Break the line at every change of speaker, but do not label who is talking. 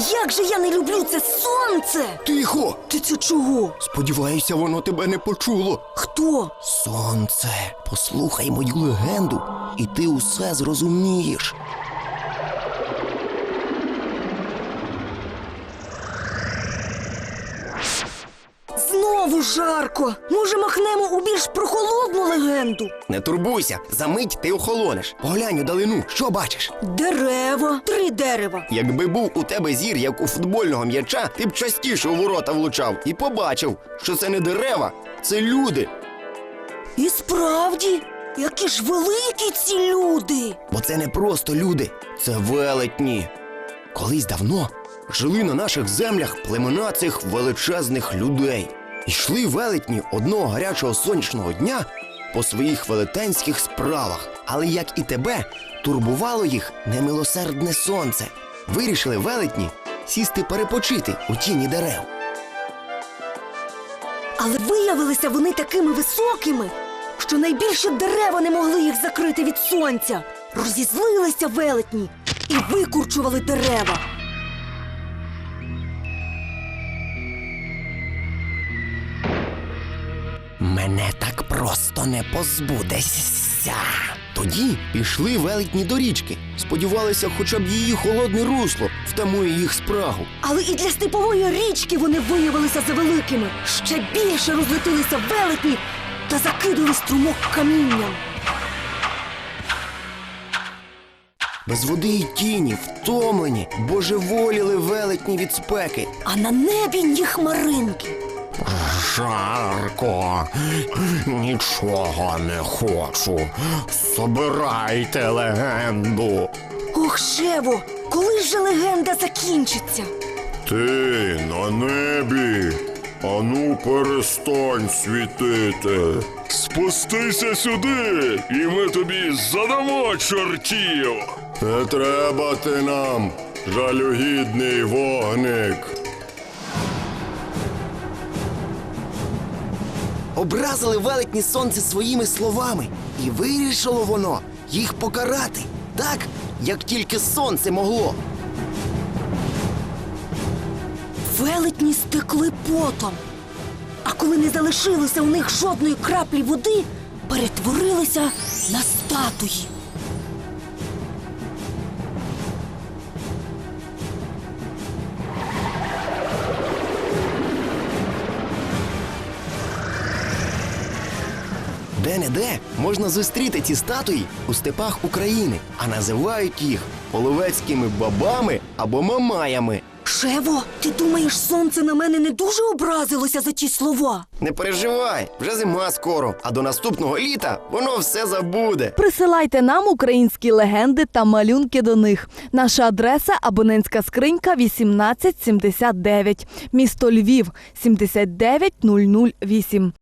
Як же я не люблю це сонце!
Тихо!
Ти це чого?
Сподіваюся, воно тебе не почуло.
Хто?
Сонце, послухай мою легенду, і ти усе зрозумієш.
Знову жарко. Може, махнемо у більш прохолодну легенду?
Не турбуйся, за мить ти охолонеш. Поглянь у далину, що бачиш?
Дерева. 3 дерева.
Якби був у тебе зір, як у футбольного м'яча, ти б частіше у ворота влучав і побачив, що це не дерева, це люди.
І справді, які ж великі ці люди.
Бо це не просто люди, це велетні. Колись давно жили на наших землях племена цих величезних людей. Йшли велетні одного гарячого сонячного дня по своїх велетенських справах. Але, як і тебе, турбувало їх немилосердне сонце. Вирішили велетні сісти перепочити у тіні дерев.
Але виявилися вони такими високими, що найбільше дерева не могли їх закрити від сонця. Розізлилися велетні і викурчували дерева.
Мене так просто не позбудешся. Тоді пішли велетні до річки. Сподівалися, хоча б її холодне русло втамує їх спрагу.
Але і для степової річки вони виявилися завеликими. Ще більше розлетилися велетні та закидали струмок камінням.
Без води й тіні, втомлені, божеволіли велетні від спеки.
А на небі ні хмаринки.
Жарко, нічого не хочу. Собирайте легенду.
Ох, Шево, коли ж же легенда закінчиться?
Ти на небі. Ану, перестань світити. Спустися сюди, і ми тобі задамо чортів. Не треба ти нам, жалюгідний вогник.
Образили велетні сонце своїми словами, і вирішило воно їх покарати так, як тільки сонце могло.
Велетні стекли потом. А коли не залишилося у них жодної краплі води, перетворилися на статуї.
Де-не-де можна зустріти ці статуї у степах України, а називають їх половецькими бабами або мамаями.
Шево, ти думаєш, сонце на мене не дуже образилося за ті слова?
Не переживай, вже зима скоро, а до наступного літа воно все забуде.
Присилайте нам українські легенди та малюнки до них. Наша адреса – абонентська скринька 1879, місто Львів, 79008.